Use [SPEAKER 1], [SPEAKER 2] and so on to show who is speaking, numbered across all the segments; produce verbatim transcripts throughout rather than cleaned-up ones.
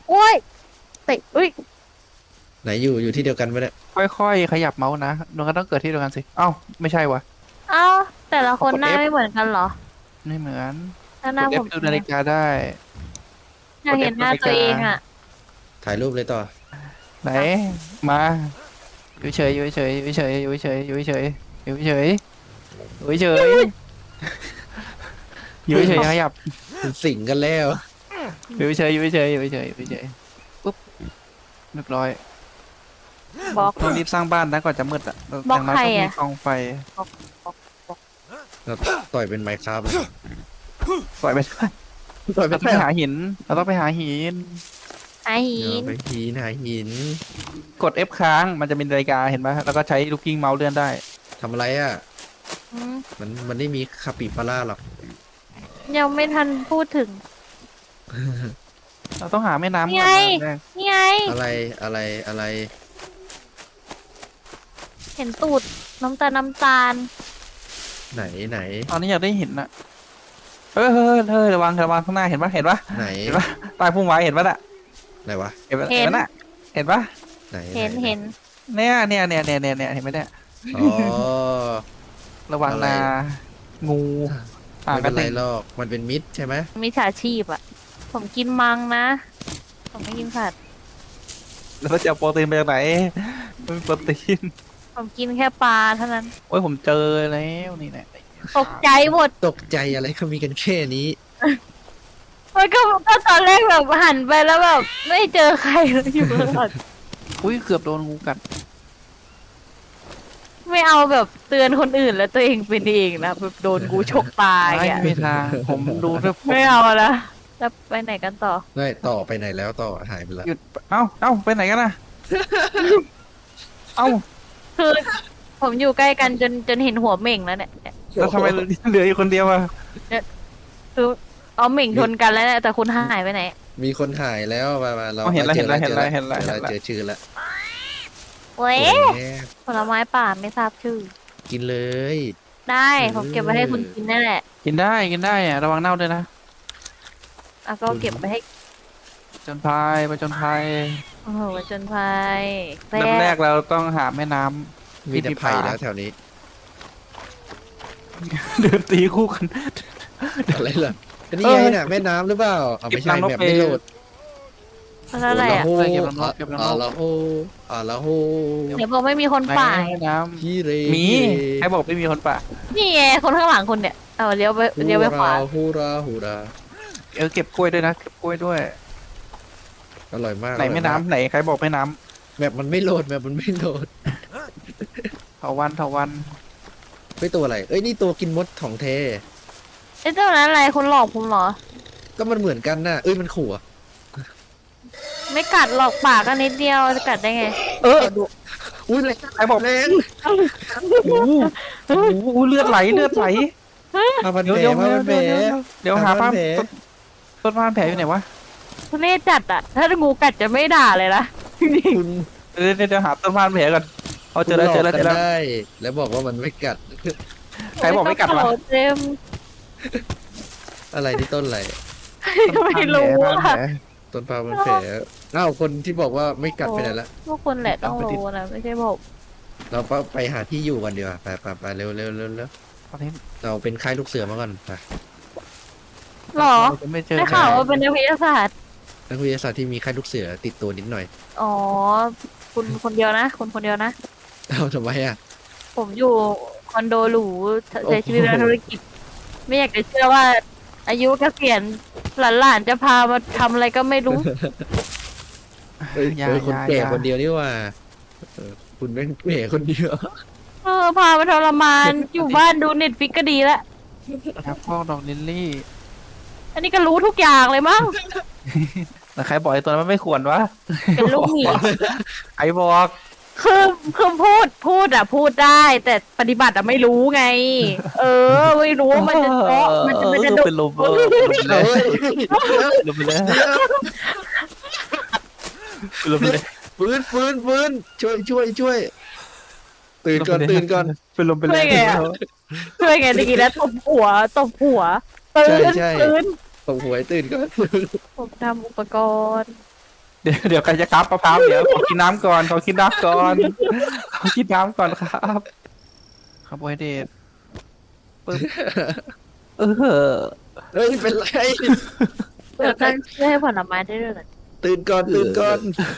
[SPEAKER 1] โอ้ยเตะอุ้ย
[SPEAKER 2] ไหนอยู่อยู่ที่เดียวกันไหมเนี่ย
[SPEAKER 3] ค่อยๆขยับเมาส์นะมันก็ต้องเกิดที่เดียวกันสิเอ้าไม่ใช่วะ
[SPEAKER 1] เอ้าแต่ละคน
[SPEAKER 3] กด
[SPEAKER 1] หน้า
[SPEAKER 3] F
[SPEAKER 1] ไม่เหมือนกันเหรอ
[SPEAKER 3] ไม่เหมือน
[SPEAKER 1] หน้าหน้า
[SPEAKER 3] กด
[SPEAKER 1] ผ
[SPEAKER 3] F
[SPEAKER 1] ม
[SPEAKER 3] ดูนาฬิกาได้
[SPEAKER 1] อยากเห็นหน้าตัวเองอ่ะ
[SPEAKER 2] ถ่ายรูปเลยต่อ
[SPEAKER 3] ไหนมาอยู่เฉยอยู่เฉยอยู่เฉยอยู่เฉยอยู่เฉยอยู่เฉยอยู่เฉยอยู่เฉยขยับ
[SPEAKER 2] เป็นสิงกันแล้ว
[SPEAKER 3] อยู่เฉยอยู่เฉยอยู่เฉยอยู่เฉยปุ๊บเรียบร้อย
[SPEAKER 1] บล็อก
[SPEAKER 3] ต้องรีบสร้างบ้านนะก่อนจะมืดอ่ะ
[SPEAKER 1] บล็อก
[SPEAKER 3] ย่างน้อย
[SPEAKER 1] ใคร
[SPEAKER 3] ต้องมี
[SPEAKER 1] อะ
[SPEAKER 3] กองไฟ
[SPEAKER 2] เราต่อยเป็นไมค์ครับ
[SPEAKER 3] ปล่อยไปด้วย
[SPEAKER 2] ต่อยเป็
[SPEAKER 3] เรา
[SPEAKER 2] น
[SPEAKER 3] ต้องไปหาหินเราต้องไปหาหิน
[SPEAKER 1] หาหิ
[SPEAKER 2] เดี๋ยวน ไปหินหาหิน
[SPEAKER 3] กด F ค้างมันจะเป็นนาฬิกาเห็นไหมแล้วก็ใช้ลูกกิ้งเมาส์เลื่อนได้
[SPEAKER 2] ทำอะไรอ่ะ
[SPEAKER 1] อืม
[SPEAKER 2] มันมันไม่มีคาปิบาร่าหรอก
[SPEAKER 1] ยังไม่ทันพูดถึง
[SPEAKER 3] เราต้องหาแม่น้ำ
[SPEAKER 1] นี่
[SPEAKER 3] ก่อ
[SPEAKER 1] ไง
[SPEAKER 3] นนะ
[SPEAKER 1] นี่ไง
[SPEAKER 2] อะไรอะไรอะไร
[SPEAKER 1] เห็นตูดน้ำตาลน้ำตาล
[SPEAKER 2] ไหนไหน
[SPEAKER 3] ตอนนี้อยากได้หินนะเฮ้ยเฮ้ยเฮ้ยระวังระวังข้างหน้าเห็นปะเห็นปะ
[SPEAKER 2] ไหน
[SPEAKER 3] เห็นปะใตายพุ่มไว้เห็นปะน่ะ
[SPEAKER 2] ไหนวะ
[SPEAKER 3] เห็นปะ
[SPEAKER 1] เห็น
[SPEAKER 3] เห็นปะน่ะเห็นปะ
[SPEAKER 2] ไหน
[SPEAKER 1] เห็น
[SPEAKER 2] ไ
[SPEAKER 1] เห็น
[SPEAKER 3] เนี่ยเนี่ยเนี่ยเนี่ยเนี่ยเนี่ยเห็นไหมเนี่ย
[SPEAKER 2] อ๋อ
[SPEAKER 3] ระวัง
[SPEAKER 2] อะไร
[SPEAKER 3] นางูอ่า
[SPEAKER 2] ไม่
[SPEAKER 3] ก
[SPEAKER 2] เป็
[SPEAKER 3] ระ
[SPEAKER 2] นไร
[SPEAKER 3] ติง
[SPEAKER 2] หรอกมันเป็นมิดใช่ไหม
[SPEAKER 1] มีฉาชีพอ่ะ ผมกินมังนะ ผมไม่กินผัด
[SPEAKER 3] แล้วจะเอาโปรตีนไปจากไหนไม่มีโปรตีน
[SPEAKER 1] ผมกินแค่ปลาเท่านั้น
[SPEAKER 3] โอ้ยผมเจอแล้วนี่แหละ
[SPEAKER 1] ตกใจหมด
[SPEAKER 2] ตกใจอะไรเขามีกันแค่นี้
[SPEAKER 1] มันก็ก็ตอนแรกแบบหันไปแล้วแบบไม่เจอใครเลยอยู่ข้างหลัง
[SPEAKER 3] อุ้ยเกือบโดนงูกัด
[SPEAKER 1] ไม่เอาแบบเตือนคนอื่นแล้วตัวเองเป็นเองนะแบบโดนกูฉกตาย
[SPEAKER 3] ไม่
[SPEAKER 1] อ่ะ
[SPEAKER 3] มีทางผมดูด้วยผม
[SPEAKER 1] ไม่เอาละแล้วไปไหนกันต่อ
[SPEAKER 2] ได้ต่อไปไหนแล้วต่อหายไปแล้ว
[SPEAKER 3] หยุดเอ้าเอ้าไปไหนกันน่ะเอ้า
[SPEAKER 1] คือผมอยู่ใกล้กันจนจนเห็นหัวเหม่งแล้วเนี่ย
[SPEAKER 3] แล้วทำไมเหลืออยู่คนเดียวอะ
[SPEAKER 1] คือเอาเหม่งชนกันแล้วเนี่ยแต่คุณหายไปไหน
[SPEAKER 2] มีคนถ่ายแล้วมามาเรา
[SPEAKER 3] อ๋อเห็นแล้ว
[SPEAKER 2] จ
[SPEAKER 3] เห็น
[SPEAKER 2] อ
[SPEAKER 3] แล้วเห็นแล้ว
[SPEAKER 2] จอ
[SPEAKER 3] เห็นแล้วเห็น
[SPEAKER 2] เรา
[SPEAKER 3] แล้ว
[SPEAKER 2] เจอชื่อแล้ว
[SPEAKER 1] เว้ย
[SPEAKER 2] โอ้ย
[SPEAKER 1] ผลไม้ป่าไม่ทราบชื่อ
[SPEAKER 2] กินเลย
[SPEAKER 1] ได้ผมเก็บไว้ให้คุณกินนั่นแหละ
[SPEAKER 3] กินได้กินได้อะระวังเน่าด้วยนะ
[SPEAKER 1] อ่ะก็เก็บไว้ให้
[SPEAKER 3] จนพายไปจนพาย
[SPEAKER 1] โอ้โหจนภัย
[SPEAKER 3] เริ่มแรกเราต้องหาแม่น้ำ
[SPEAKER 2] มีแต่ไผ่แล้วแถวนี้
[SPEAKER 3] เดินตีคู่กัน
[SPEAKER 2] อะไรล่ะอันนี้ไงน่ะแม่น้ำหรือเปล่าเอาไม่ใช่
[SPEAKER 3] เก็บน้ำนก
[SPEAKER 2] แบบไม่โหลด
[SPEAKER 1] แล้วอะไรอ่ะ
[SPEAKER 2] โอ้
[SPEAKER 3] เก็บ
[SPEAKER 2] โห
[SPEAKER 3] น้ำนกเก็บน้ำนก
[SPEAKER 2] อ่าละโหอ่าละโห
[SPEAKER 1] เดี๋ยวบอกไม่มีคน
[SPEAKER 3] ไหน
[SPEAKER 1] ป่า
[SPEAKER 3] แม่น้
[SPEAKER 2] ฮีเร
[SPEAKER 3] ำมีใครบอกไม่มีคนป่า
[SPEAKER 1] นี่ไงคนข้างหลังคุณเนี่ยเอาเลี้ยวไปเลี้ยวไปขวา
[SPEAKER 2] ฮูราฮูรา
[SPEAKER 3] เออเก็บกล้วยด้วยนะเก็บกล้วยด้วย
[SPEAKER 2] อร่อยมาก
[SPEAKER 3] ไหนแม่น้ำไหนใครบอกแม่น้
[SPEAKER 2] แบบมันไม่โหลดแบบมันไม่โหลด
[SPEAKER 3] ำเถาวันเถาวัน
[SPEAKER 2] ไม่ตัวอะไรเอ้ยนี่ตัวกินมดของเท
[SPEAKER 1] ไอ้เจ้านั้นอะไรคุณหลอกผมเหรอ
[SPEAKER 2] ก็มันเหมือนกันน่ะเอ้ยมันขู่อะ
[SPEAKER 1] ไม่กัดหลอกปากก็นิดเดียวจะกัดได้ไง
[SPEAKER 3] เออ
[SPEAKER 2] อุ้ยแรง
[SPEAKER 3] ใครบอก
[SPEAKER 2] แรง
[SPEAKER 3] โอ้โหโอ้โหเลือดไหลเลือดไหล
[SPEAKER 2] มาพัน
[SPEAKER 3] เดี๋ยว
[SPEAKER 2] แผล
[SPEAKER 3] เดี๋ยว
[SPEAKER 2] มาพันแผล
[SPEAKER 3] เดี๋ยวหา
[SPEAKER 2] หา
[SPEAKER 3] ภาพ
[SPEAKER 2] แผล
[SPEAKER 3] ต้นต้นพานแผลอยู่ไหนวะ
[SPEAKER 1] ทุเรศจัดอ่ะ ถ้างูกัดจะไม่ด่าเลยนะจริง
[SPEAKER 2] คุณ
[SPEAKER 3] เดี๋ยวเดี๋ยวเดี๋ยวหาต้นพานแผลก่อนเอาเจอแล้วเจอแล้ว
[SPEAKER 2] คุ
[SPEAKER 3] เจ
[SPEAKER 2] ณ
[SPEAKER 3] อ
[SPEAKER 2] หล
[SPEAKER 3] แล้ว
[SPEAKER 2] กกันได้ แล้วบอกว่ามันไม่กัด
[SPEAKER 3] ใครบอกไม่กัดวะ
[SPEAKER 1] โอ้เจมส์
[SPEAKER 2] อะไรนี่ต้นอะไร
[SPEAKER 1] ไม่รู้
[SPEAKER 3] ต้นพานแผล
[SPEAKER 1] อ่ะ
[SPEAKER 2] ต้นพาพันแผลอ้าวคนที่บอกว่าไม่กัดไปไหนละ
[SPEAKER 1] พวกคุณแหละต้องรู้นะไม่ใช่ผม
[SPEAKER 2] เราก็ไปหาที่อยู่กันดีกว่าไปไปไปเร็วเร็วเร็วเร็ว
[SPEAKER 3] ตอนนี้
[SPEAKER 2] เราเป็นค่ายลูกเสือมาก่อนไป
[SPEAKER 1] หรอ
[SPEAKER 3] เราจะไม่เจอ
[SPEAKER 1] ได้ข่าวว่าเป็นนักวิทยาศาสตร์
[SPEAKER 2] นักวิทยาศาสตร์ที่มีค่ายลูกเสือติดตัวนิดหน่อย
[SPEAKER 1] อ๋อ คุณคนเดียวนะ คุณคนเดียวนะ
[SPEAKER 2] เอาทำไมอ่ะ
[SPEAKER 1] ผมอยู่คอนโดหรูใช้ชีวิตในธุรกิจ ไม่อยากจะเชื่อว่า อายุเกษียณหลานๆจะพามาทำอะไรก็ไม่รู้
[SPEAKER 2] เอ้ย
[SPEAKER 3] อย่า
[SPEAKER 2] เออคน
[SPEAKER 3] อย่า
[SPEAKER 2] แก่
[SPEAKER 3] อย่า
[SPEAKER 2] คนเดียวนี่ว่าเออคุณแม่งแก่คนเดียว
[SPEAKER 1] เออ พามาทรมาน อยู่บ้านดูเน็ตฟิกก็ดีแล้ว
[SPEAKER 3] ครับพวกดอกลิลลี่
[SPEAKER 1] อันนี้ก็รู้ทุกอย่างเลยมั้ง
[SPEAKER 3] แต่ใครบอกไอ้ตัวนั้นมันไม่ควรวะ
[SPEAKER 1] เป็นลูกหมี
[SPEAKER 3] ใครบอก
[SPEAKER 1] คือคือพูดพูดอะพูดได้ แต่ปฏิบัติอะไม่รู้ไง เออ ไม่รู้ว่ามันจะเจาะมันจะมันจะ
[SPEAKER 3] เออ
[SPEAKER 1] ดุ
[SPEAKER 3] เป็นลมเออเป็นลมไป
[SPEAKER 2] เฮ้
[SPEAKER 3] เลย
[SPEAKER 2] ย
[SPEAKER 3] ลมไปเลยลมไปเลย
[SPEAKER 2] ฟื้นฟื้นฟื้นช่วยช่วยช่วย ตื่นก่อนตื่นก่อน
[SPEAKER 3] เป็นลมไปเลย
[SPEAKER 1] ช่วยไงตะกี้นะตบหัวตบหัวตื่น
[SPEAKER 2] ใช่ใช่
[SPEAKER 1] ตื่น
[SPEAKER 2] ตบหวยตื่นก่อน
[SPEAKER 1] ผมทำอุปกรณ์
[SPEAKER 3] เดี๋ยวเดี๋ยวใครจะครับมะพร้าวเดี๋ยวขอกินน้ำก่อนขอกินน้ำก่อนขอกินน้ำก่อนครับคาร์โบไฮเดรตปึ๊บเออ
[SPEAKER 2] เฮ้ยเป็นไร
[SPEAKER 1] เดี๋ยวตั้งชื่อให้ผลไม้ได้ด้วยเหรอ
[SPEAKER 2] ตื่นก่อนตื่นก่อน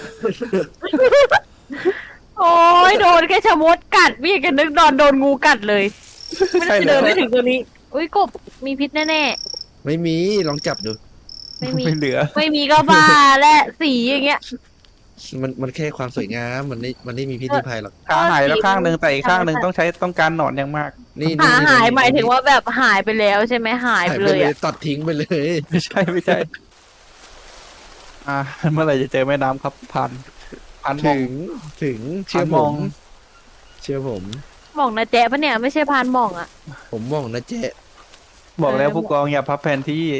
[SPEAKER 1] โอ้ยโดนแค่ชะมดกัดพี่กันนึกนอนโดนงูกัดเลย ไม่ได้
[SPEAKER 3] ใช่
[SPEAKER 1] เดิน
[SPEAKER 3] เล
[SPEAKER 1] ไป
[SPEAKER 3] ย
[SPEAKER 1] ถึงตัวนี้ อุ้ยกบมีพิษแน่
[SPEAKER 2] ไม่มีลองจับดู
[SPEAKER 1] ๆ ไม่มี
[SPEAKER 3] ไม่เหลือ
[SPEAKER 1] ไม่มีก็บ้าและสีอย่างเงี้ย
[SPEAKER 2] มันมันแค่ความสวยงามมันไม่มันไม่มีพิษมีภัยหรอก
[SPEAKER 3] ขาหายแล้วข้างหนึ่งแต่อีกข้างหนึ่งต้องใช้ต้องการหนอนอย่างมาก
[SPEAKER 2] นี่
[SPEAKER 1] หา
[SPEAKER 2] นี่
[SPEAKER 1] หาย
[SPEAKER 2] นี่
[SPEAKER 1] หมายถึงว่าแบบหายไปแล้วใช่ไหมหาย
[SPEAKER 2] หาย
[SPEAKER 1] ไป
[SPEAKER 2] ไป
[SPEAKER 1] เลย
[SPEAKER 2] เลย
[SPEAKER 1] อะ
[SPEAKER 2] ตัดทิ้งไปเลย
[SPEAKER 3] ไม่ใช่ไม่ใช่ อ่าเมื่อไหร่จะเจอแม่น้ำครับผ่านผ่านมอ
[SPEAKER 2] ถึ
[SPEAKER 3] ง
[SPEAKER 2] งถึงเชื่อ
[SPEAKER 3] ผ่าน
[SPEAKER 2] ผม
[SPEAKER 3] อง
[SPEAKER 2] ม เชื่อผม
[SPEAKER 1] หม่องนะแจ๊ปะเนี่ยไม่ใช่พานหม่องอะ
[SPEAKER 2] ผมมองนะเจ๊
[SPEAKER 3] บอกแล้วผู้กองอย่าพับแผนที่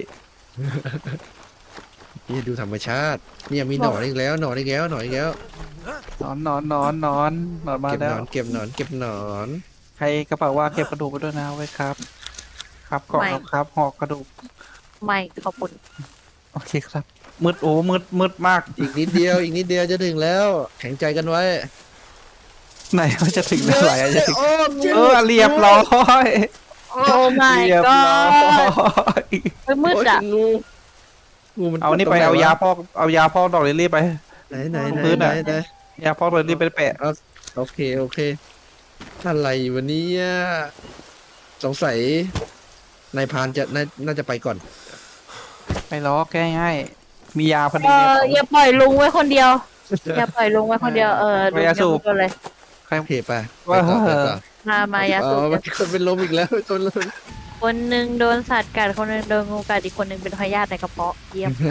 [SPEAKER 2] นี่ดูธรรมชาติเนี่ยมีหนอนอีกแล้วหนอนอีกแล้วหนอนอีกแล้ว
[SPEAKER 3] นอนนอนนอนนอนนอนมา
[SPEAKER 2] เก็บห
[SPEAKER 3] แล้
[SPEAKER 2] น
[SPEAKER 3] ว
[SPEAKER 2] อนเก็บหนอนเก็บหนอน
[SPEAKER 3] ใครกระเป๋าว่าเก็บกระดูกไปด้วยนะไว้ครับ ครับกล่องครับครับหอกกระดูก
[SPEAKER 1] ไม่ขอบคุณ
[SPEAKER 3] โอเคครับ มืดโอ้มืดมืดมาก
[SPEAKER 2] อีกนิดเดียวอีกนิดเดียวจะถึงแล้วแข็งใจกันไว้
[SPEAKER 3] ไหนว่าจะถึงเมื่อไหร่อะจะถึง
[SPEAKER 2] โอ้
[SPEAKER 3] เออเรียบร้อย
[SPEAKER 1] โอ้ my
[SPEAKER 3] เรียบ
[SPEAKER 1] god
[SPEAKER 3] ร้อย
[SPEAKER 1] เฮ้ยมืดอะ
[SPEAKER 2] โยงูงูมัน
[SPEAKER 3] เอานี่ไปเอายาพอกเอายาพอกดอกลิลลี่ไป
[SPEAKER 2] ไหนไหนไหน
[SPEAKER 3] พื้น
[SPEAKER 2] ไหน
[SPEAKER 3] อะ
[SPEAKER 2] ไหน
[SPEAKER 3] ยาพอกดอกลิลลี่ไปแปะ
[SPEAKER 2] โอเคโอเคอะไรวันนี้สงสัยนายพรานจะน่าน่าจะไปก่อน
[SPEAKER 3] ไปล้อแก้ง่ายมียาพอ
[SPEAKER 1] เอ
[SPEAKER 3] ดีเนี่ย
[SPEAKER 1] ออย่าปล่อยลุงไว้คนเดียว อย่าปล่อยลุงไว้คนเดียวเออ
[SPEAKER 3] ไปยาสูบ
[SPEAKER 1] ลุงอย่าพูดเลย
[SPEAKER 2] โอเคไปไป
[SPEAKER 3] ว่า
[SPEAKER 2] ต่อไปต่อ
[SPEAKER 1] มามายา
[SPEAKER 2] อ๋
[SPEAKER 1] สู
[SPEAKER 2] อบ มันคนเป็นลมอีกแล้วคนลม
[SPEAKER 1] คนหนึ่งโดนสัตว์กัดคนหนึ่งโดนงูกัดอีกคนหนึ่งเป็นพยาธิในกระเพาะเยี่ยม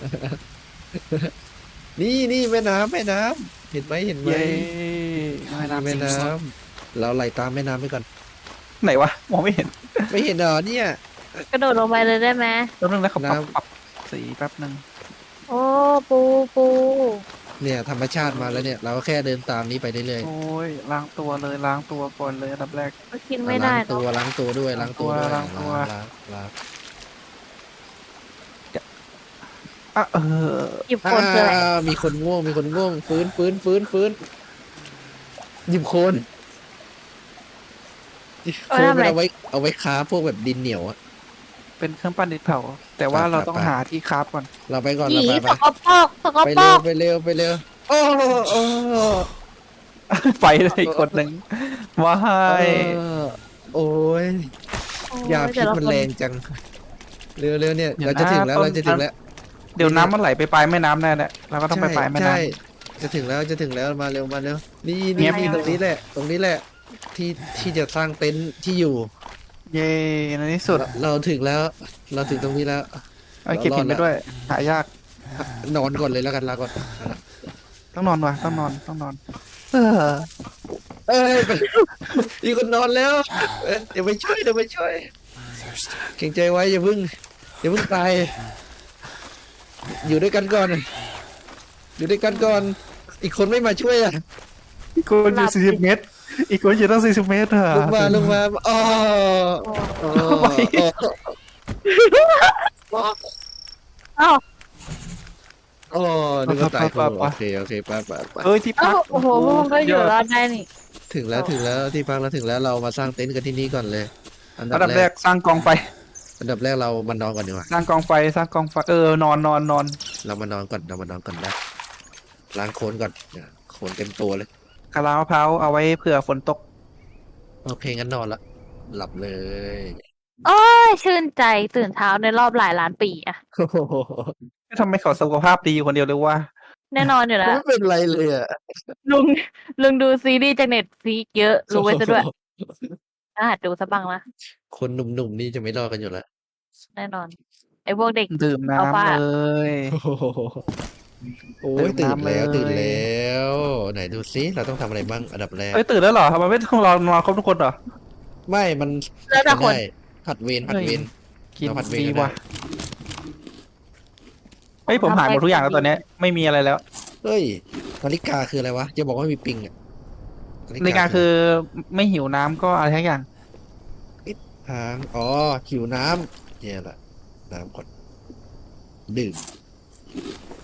[SPEAKER 2] นี่นี่แม่น้ำแม่น้ำเห็นไหมเห็นไหม
[SPEAKER 3] เย้
[SPEAKER 2] นี่แม่น้ำเราไหลตามแม่น้ำไปก่อน
[SPEAKER 3] ไหนวะมองไม่เห็น
[SPEAKER 2] ไม่เห็นเหรอเนี่ย
[SPEAKER 1] กระโดดลงไปเลยได้ไหม
[SPEAKER 3] แป๊บนึงนะเขาปรับ
[SPEAKER 2] น้ำ
[SPEAKER 3] ปรับสีแป๊บนึง
[SPEAKER 1] โอ้ปูปู
[SPEAKER 2] เนี่ยธรรมชาติมาแล้วเนี่ย เราก็แค่เดินตามนี้ไปเรื่อย
[SPEAKER 3] โอ้ยล้างตัวเลยล้างตัวก่อนเลยอันดับแรก
[SPEAKER 1] ก็กิน
[SPEAKER 2] ๆ
[SPEAKER 1] ไม่ได้
[SPEAKER 2] ล้าง
[SPEAKER 1] เน
[SPEAKER 2] ตัว
[SPEAKER 1] อะ
[SPEAKER 2] ล้างตัวด้วยล้างตัวด้วย
[SPEAKER 3] ล้างตัว
[SPEAKER 2] ล้างล้าง
[SPEAKER 3] อ่ะเออ
[SPEAKER 1] หยิบคนคืออะไร
[SPEAKER 2] อ่ามีคนง่วงมีคนง่วงฟื้นฟื้นฟื้นฟื้นหยิบโคนโคนมันเอาไว้เอาไว้ค้าพวกแบบดินเหนียวอะ
[SPEAKER 3] เป็นเครื่องปั้นดินเผาแต่ว่า
[SPEAKER 2] ไป
[SPEAKER 3] เราต้อง
[SPEAKER 2] ไป
[SPEAKER 3] หาที่คราฟก่อน
[SPEAKER 2] เราไปก่อน
[SPEAKER 1] ห
[SPEAKER 2] เรา
[SPEAKER 1] นี
[SPEAKER 2] ไป
[SPEAKER 1] สกปรกสก
[SPEAKER 2] ไป
[SPEAKER 1] ปร
[SPEAKER 2] เร็ว
[SPEAKER 1] ก
[SPEAKER 2] ไปเร็วไปเร็วโอ้โอ้
[SPEAKER 3] ไปเลยอีกคนหนึ่งว้า
[SPEAKER 2] เอย อโอ้ยยาพิษมันแรงจังเร็วเร็วเนี่ยเราจะถึงแล้วเราจะถึงแล้ว
[SPEAKER 3] เดี๋ยวน้ำมันไหลไปปลายแม่น้ำแน่แหละเราก็ต้องไปปลายแม่น้
[SPEAKER 2] ใช่จะถึงแล้วจะถึงแล้วมาเร็วมาเร็วนี่
[SPEAKER 3] เงี
[SPEAKER 2] นี่
[SPEAKER 3] ยบ
[SPEAKER 2] นี่ตรงนี้แหละ ตรงนี้แหละ ที่ที่จะสร้างเต็นท์ที่อยู่
[SPEAKER 3] ำเย้ในที่สุด
[SPEAKER 2] เราเราถึงแล้ว เราถึงตรงนี้แล้ว
[SPEAKER 3] เอาเก็บหินไปด้วย หายาก
[SPEAKER 2] นอนก่อนเลยแล้วกันลาก่อน
[SPEAKER 3] ต้องนอนว่ะต้องนอนต้องนอน เออ
[SPEAKER 2] เอ้ยไปมีคนนอนแล้วเอ้ยเดี๋ยวไปช่วยเดี๋ยวไปช่วยเก่งใจไว้อย่าเพิ่งอย่าเพิ่งตาย อยู่ด้วยกันก่อน อยู่ด้วยกันก่อน อีกคนไม่มาช่วยอ่ะ
[SPEAKER 3] อีกคนอยู่สี่สิบเมตร อีกคนอยู่ตั้งสี่สิบเมตรอะ
[SPEAKER 2] ลงมาลงมาอ๋ออ๋ออ๋อ
[SPEAKER 1] อ้าว
[SPEAKER 2] อ๋อนึกว่าตายคนโอเคโอเคไปไปไป
[SPEAKER 3] เอ้ยที่พั
[SPEAKER 1] อ้าก วโอ้โหพวกมึงก็อยู่รอดได้นี่
[SPEAKER 2] ถึงแล้วถึงแล้วที่พักเราถึงแล้วเรามาสร้างเต็นท์กันที่นี่ก่อนเลย อัน
[SPEAKER 3] อัน
[SPEAKER 2] ดั
[SPEAKER 3] ดั
[SPEAKER 2] บบ แร
[SPEAKER 3] แร
[SPEAKER 2] ก
[SPEAKER 3] กสร้างกองไฟ
[SPEAKER 2] อันดับแรกเรามานอนก่อนดีกว่า
[SPEAKER 3] สร้างกองไฟสร้างกองไฟเออนอนนอนนอน
[SPEAKER 2] เรามานอนก่อนเรามานอนก่อนนะล้างโคลนก่อนเนี่ยโคลนเต็มตัวเลย
[SPEAKER 3] กะลามะพร้าวเอาไว้เผื่อฝนตก
[SPEAKER 2] โอเคงั้นนอนละหลับเลย
[SPEAKER 1] โอ้ยชื่นใจตื่นเช้าในรอบหลายล้านปีอะ
[SPEAKER 2] โอ้โห
[SPEAKER 3] ทำไมเขาสุขภาพดีคนเดียวเลยว่า
[SPEAKER 1] แน่นอนอยู่แล้ว
[SPEAKER 2] ไม่เป็นไรเลยอ่ะ
[SPEAKER 1] ลุงลุงดูซีรีส์จากเน็ตฟลิกเยอะรู้ไว้ซะด้วยน่าหัดดูซะบ้างนะ
[SPEAKER 2] คนหนุ่มๆนี่จะไม่รอดกันอยู่แล้ว
[SPEAKER 1] แน่นอน ไอ้พวกเด็ก
[SPEAKER 3] ดื่ม
[SPEAKER 1] เอาป่ะ
[SPEAKER 3] น้ำเลย
[SPEAKER 2] โอ้โหโอ้ย
[SPEAKER 3] ตื่
[SPEAKER 2] ตื่
[SPEAKER 3] น
[SPEAKER 2] น
[SPEAKER 3] น้ำ
[SPEAKER 2] แล้ว
[SPEAKER 3] เลย
[SPEAKER 2] ตื่นแล้ว ไหนดูซิเราต้องทำอะไรบ้างอันดับแรก
[SPEAKER 3] เอ้ยตื่นแล้วเหรอทำไมไม่ต้องรอนอนครบทุกคนเหรอ
[SPEAKER 2] ไม่มัน
[SPEAKER 1] แล้วแต่คน
[SPEAKER 2] ได้ผัดเวรผัดเวร
[SPEAKER 3] กิน
[SPEAKER 2] เราผัด
[SPEAKER 3] ฟ
[SPEAKER 2] เวร
[SPEAKER 3] รี
[SPEAKER 2] กันได้
[SPEAKER 3] ว่ะเฮ้ยผมหายหมดทุกอย่างแล้วตอนเนี้ยไม่มีอะไรแล้ว
[SPEAKER 2] เฮ้ยนาฬิกาคืออะไรวะจะบอกว่ามีปิงอ่ะ
[SPEAKER 3] ในการคือไม่หิวน้ำก็อะไรทั้งอย่าง
[SPEAKER 2] ทางอ๋อหิวน้ำเนี่ยแหละน้ำก่อนดื่มโอ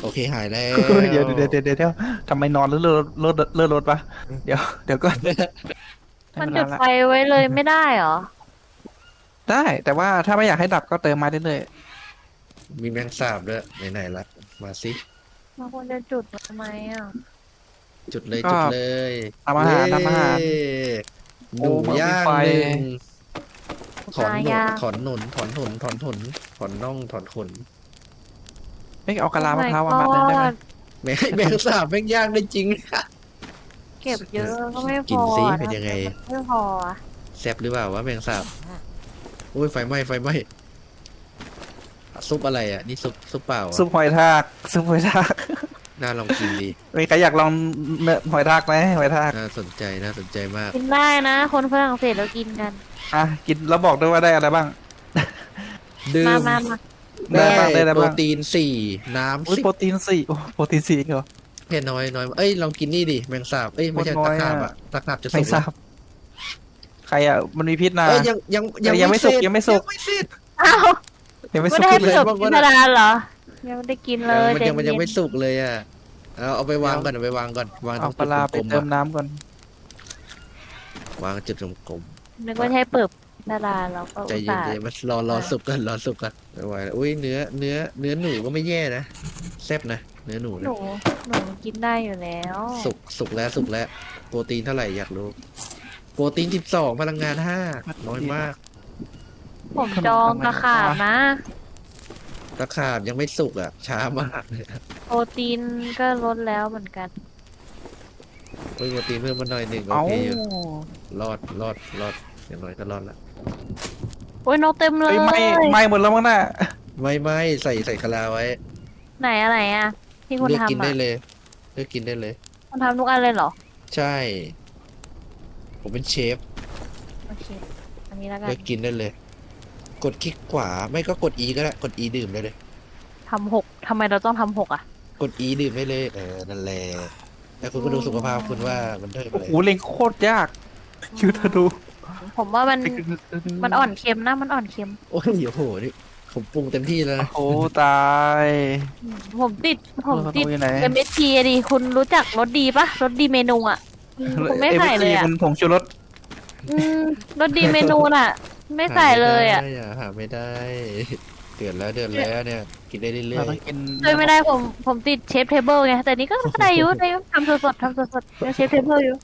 [SPEAKER 2] เคหายแล้ว
[SPEAKER 3] เดี๋ยวเดี๋ยวเดี๋ยวเดี๋ยวเดี๋ยวทำไมนอนแล้วเลื่อนรถเลื่อนรถปะเดี๋ยวเดี๋ยวก็
[SPEAKER 1] มันจุดไฟไว้เลยไม่ได้เหรอ
[SPEAKER 3] ได้ แต่ว่าถ้าไม่อยากให้ดับก็เติมมาได้เลย
[SPEAKER 2] มีแมงสาบด้วยไหนๆละมาสิ
[SPEAKER 1] มันควรจะจุดทำไมอ่ะ
[SPEAKER 2] จุดเลย
[SPEAKER 3] ก็
[SPEAKER 2] จุดเลย
[SPEAKER 3] ทำอาหารทำอาหาร
[SPEAKER 2] เย้ห
[SPEAKER 3] โอ้
[SPEAKER 2] นู
[SPEAKER 3] มันมี
[SPEAKER 2] ย่าง
[SPEAKER 3] ไฟ
[SPEAKER 2] หนึ่งถอนหนุน
[SPEAKER 1] ย่าง
[SPEAKER 2] ถอนหนุนถอนหนุนถอนหนุนถอนน่องถอนขน
[SPEAKER 3] ไม่เอากะลามะพร้าวมามัดเลยได้ไหม
[SPEAKER 2] แมงแมงสาบแมงย่างได้จริง
[SPEAKER 1] เก็บเยอะก็ไม่พอ
[SPEAKER 2] กินสิ
[SPEAKER 1] อะ
[SPEAKER 2] เป็นยังไง
[SPEAKER 1] ไม่พออะ
[SPEAKER 2] แซ่บหรือเปล่าวะแมงสาบอุ้ยไฟไหม้ไฟไหม้ซุปอะไรอ่ะนี่ซุปซุปเปล่าอะ
[SPEAKER 3] ซุปหอยทากซุปหอยทาก
[SPEAKER 2] น่าลองกินดี
[SPEAKER 3] มีใครอยากลองเนื้อหอยทากไหมหอยทาก
[SPEAKER 2] น่าสนใจน่าสนใจมาก
[SPEAKER 1] กินได้นะ คนฝรั่งเศสเรากินกัน
[SPEAKER 3] อ่ะกินแล้วบอกด้วยว่าได้อะไรบ้าง
[SPEAKER 2] ดื่
[SPEAKER 1] มาม มามา
[SPEAKER 3] ได้บ้างได้อะไร
[SPEAKER 2] โปร
[SPEAKER 3] บ้าง
[SPEAKER 2] ตีนสี่น้ำ
[SPEAKER 3] อุ้ย
[SPEAKER 2] สิบ
[SPEAKER 3] โปรตีนสี่โอ้โปรตีนสี่เหรอ
[SPEAKER 2] เพนน้อยน้อยเอ้ยลองกินนี่ดิแมงสาบเอ้ยไม่ใช่
[SPEAKER 3] โคตรน้
[SPEAKER 2] ตะ
[SPEAKER 3] อย
[SPEAKER 2] ขาบ
[SPEAKER 3] อะ
[SPEAKER 2] อ่ะตะขาบจะสุ
[SPEAKER 3] ไม่
[SPEAKER 2] ก
[SPEAKER 3] ทราบใครอ่ะมันมีพิษนะ
[SPEAKER 2] เอ้ยยังยัง
[SPEAKER 3] ยังไม่สุก
[SPEAKER 2] เสร็จ
[SPEAKER 3] ยังไม่สุก
[SPEAKER 2] ยังไม่เสร็จ
[SPEAKER 1] อ้าว
[SPEAKER 3] ยังไม่
[SPEAKER 1] ไม่
[SPEAKER 3] สุก
[SPEAKER 1] ได้ให้
[SPEAKER 3] เล
[SPEAKER 1] ประ
[SPEAKER 3] ย
[SPEAKER 1] สบกินธารเหรอ ยังไม่ได้กินเลย
[SPEAKER 2] มันยังมันยังไม่
[SPEAKER 1] ใจเ
[SPEAKER 2] สุกเลยอ่ะเอาเอาไปวางก่อนเอาไปวางก่อนวางตร
[SPEAKER 3] เอา
[SPEAKER 2] ง
[SPEAKER 3] ปลาร้าไป
[SPEAKER 2] จุดกลมๆ
[SPEAKER 3] เติม
[SPEAKER 2] อะ
[SPEAKER 3] น้ำก่อน
[SPEAKER 2] วางจุดกลม
[SPEAKER 1] นึกว่าให้เปิดธาราเราก็
[SPEAKER 2] ๆใจ
[SPEAKER 1] อุต
[SPEAKER 2] เย็น
[SPEAKER 1] ส่าห์
[SPEAKER 2] ใจเย็นมันรอรอสุกกันรอสุกกันไม่ไหวแล้วอุ้ยเนื้อเนื้อเนื้อหนูก็ไม่แย่นะแซ่บนะเนื้อหนู
[SPEAKER 1] ห
[SPEAKER 2] นะ
[SPEAKER 1] นูหนูกินได้อยู่แล้ว
[SPEAKER 2] สุกสุกแล้วสุกแล้วโปรตีนเท่าไหร่อยากรู้โปรตีนสิบสองพลังงานห้าน้อยมาก
[SPEAKER 1] ผมจองตะขาบนะ
[SPEAKER 2] ตะขาบยังไม่สุกอ่ะ ช้ามากเลยอะ
[SPEAKER 1] โปรตีนก็ลดแล้วเหมือนกัน
[SPEAKER 2] เฮ้ยโปรตีนเพิ่มมาหน่อยหนึ่งโอ
[SPEAKER 3] เอา
[SPEAKER 2] เคอยู่รอดรอดรอดอย่างน้อยก็รอดละ
[SPEAKER 1] โอ้ยนกเต็มเล
[SPEAKER 3] เอ้
[SPEAKER 1] ย
[SPEAKER 3] ยไม่ไม่หมดแล้วมั้งน่ะ
[SPEAKER 2] ไม่ไม่ใส่ใส่กะลาไว้
[SPEAKER 1] ไหนอะไรอ่ะ ที่คุณ
[SPEAKER 2] เลือกกิน
[SPEAKER 1] ทำ
[SPEAKER 2] ได้
[SPEAKER 1] อ่ะ
[SPEAKER 2] เลยเลือกกินได้เลย
[SPEAKER 1] คุณทำทุกอันเลยเหรอ
[SPEAKER 2] ใช่ ผมเป็นเชฟ
[SPEAKER 1] โอเค อันนี้แล้วกัน
[SPEAKER 2] เลือกกินได้เลย กดคลิกขวาไม่ก็กด E ก็ได้กด E ดื่มได้เลย
[SPEAKER 1] ทำหกทำไมเราต้องทำหกอ่ะ
[SPEAKER 2] กด E ดื่มได้เลยเออนั่นแหละแล้วคุณก็ดูสุขภาพคุณว่ามันเท่า
[SPEAKER 3] โอ้
[SPEAKER 2] ไหร่
[SPEAKER 3] โหเล็งโคตรยากคิวเธอดู
[SPEAKER 1] ผมว่ามันมันอ่อนเค็มนะ มันอ่อนเค็ม
[SPEAKER 2] โอ้ยโอ้โหนี่ผมปรุงเต็มที่แล้วนะ
[SPEAKER 3] โอ้ตาย
[SPEAKER 1] ผมติด ผมติด
[SPEAKER 3] เออเขาอยู่ไหน
[SPEAKER 1] เอ็มเอสทีดิคุณรู้จักรสดีปะรสดีเมนูอ่ะอืมผมไม่ใส่เลยอ่ะ
[SPEAKER 3] มันผงชูรส
[SPEAKER 1] อืมรสดีเมนูน่ะ ไม่ใส่เลยอ่ะ
[SPEAKER 2] หาไม่ได้หาไม่ได้ เดือดแล้วเดือดแล้วเนี่ย กินได้เรื่
[SPEAKER 3] เรา
[SPEAKER 2] อ
[SPEAKER 3] ต้อย งกิน
[SPEAKER 1] เลยไม่ได้ผมผมติดเชฟเทเบิลไงแต่นี่ก็ได้อยู่ได้อยู่ทำสดๆทำสดๆยังเชฟเทเบิลอยู่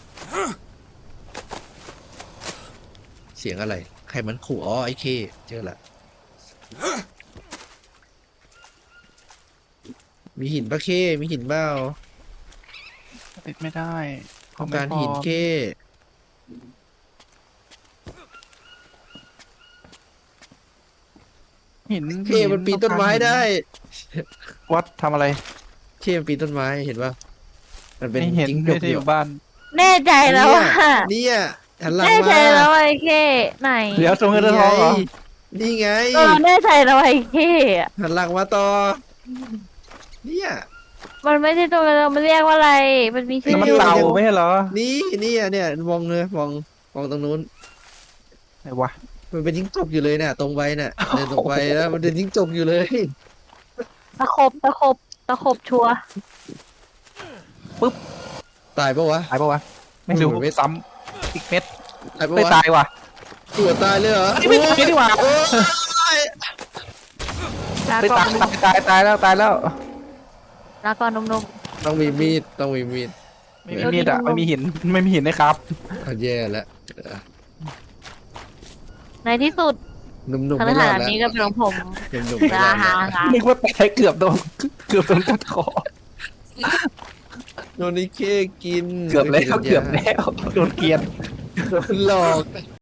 [SPEAKER 2] ๆเสียงอะไร ใครมันขู่อ๋อไอ้เคเจอละมีหินปะเคมีหินเปล่า
[SPEAKER 3] ติดไม่ได้
[SPEAKER 2] ต้องการหินเค
[SPEAKER 3] หิน
[SPEAKER 2] เคมันปีนต้นไม้ได้
[SPEAKER 3] วัดทำอะไร
[SPEAKER 2] เคมันปีนต้นไม้เห็นปะมันเป็น
[SPEAKER 3] ไม่เห็น
[SPEAKER 2] จิ้งจ
[SPEAKER 3] ไม่
[SPEAKER 2] ก
[SPEAKER 3] ได้
[SPEAKER 2] อ
[SPEAKER 3] อยู่ ยู่บ้าน
[SPEAKER 1] แน่ใจแล้วว่า
[SPEAKER 2] เนี่ยหันหลัง
[SPEAKER 1] แน่ใจ
[SPEAKER 2] มา
[SPEAKER 1] แล้วว่าไอ้เคไหน
[SPEAKER 3] เดี๋ยวตรงเงินทองเหรอ
[SPEAKER 2] นี่ไง
[SPEAKER 1] เออแน่ใจแล้วว่าไอ้เคอะ
[SPEAKER 2] หันหลังมาต่อ เนี่ย
[SPEAKER 1] มันไม่ใช่ตัวเรามันเรียกว่าอะไร มันมีชื่
[SPEAKER 3] แล้ว
[SPEAKER 1] อ
[SPEAKER 3] มัน
[SPEAKER 1] อยู่
[SPEAKER 3] เต่าไม่ใช่เหรอ
[SPEAKER 2] นี่นี่อ่ะเนี่ยมองเลยมองมองตรงนู้น
[SPEAKER 3] ไหนวะ
[SPEAKER 2] มันเป็นจิ้งจกอยู่เลยเนี่ยตรงไปเนี่ยเดินตรงไปแล้วมันเป็นจิ้งจกอยู่เลย
[SPEAKER 1] ตะขบตะขบตะขบชัวร์
[SPEAKER 2] ตายปะวะ
[SPEAKER 3] ตายปะวะ ไม่รู้
[SPEAKER 2] โอ้โหไม่
[SPEAKER 3] ซ้ำอีกเม็ด
[SPEAKER 2] ตายปะ
[SPEAKER 3] ไม่
[SPEAKER 2] วะ
[SPEAKER 3] ตายว่ะ
[SPEAKER 2] ตัวตายเลยเหรอ
[SPEAKER 3] ไม่ตายดีกว่า
[SPEAKER 2] โอ้ย
[SPEAKER 1] ลา
[SPEAKER 3] ไม่
[SPEAKER 1] ก่อ
[SPEAKER 3] ตาน ยตายตายตายแล้วตายแล้ว
[SPEAKER 1] ลาก่อนนม
[SPEAKER 2] ต้องมีมีดต้องมีมีด
[SPEAKER 3] ไม่มีมีดอะไม่มีหินไม่มีหินนะครับ
[SPEAKER 2] เอาแย่แล้ว
[SPEAKER 1] ๆในที่สุด
[SPEAKER 2] หนุ่มๆ
[SPEAKER 1] ข
[SPEAKER 2] ไม่ร
[SPEAKER 1] นา
[SPEAKER 2] อ
[SPEAKER 1] ด
[SPEAKER 2] ดแล้ว
[SPEAKER 1] นี้ก็เป็นของผม
[SPEAKER 2] หนุ่มๆไม่ร
[SPEAKER 1] ลา
[SPEAKER 2] อด
[SPEAKER 1] ฮา
[SPEAKER 2] แล้ว
[SPEAKER 1] ฮา
[SPEAKER 3] นึกว่าตายเกือบโดนเกือบโดนกัดคอ
[SPEAKER 2] โดนไอ้เคกิน
[SPEAKER 3] เกือบแล้วเกือบแล้วโดนเกลียน
[SPEAKER 2] หลอก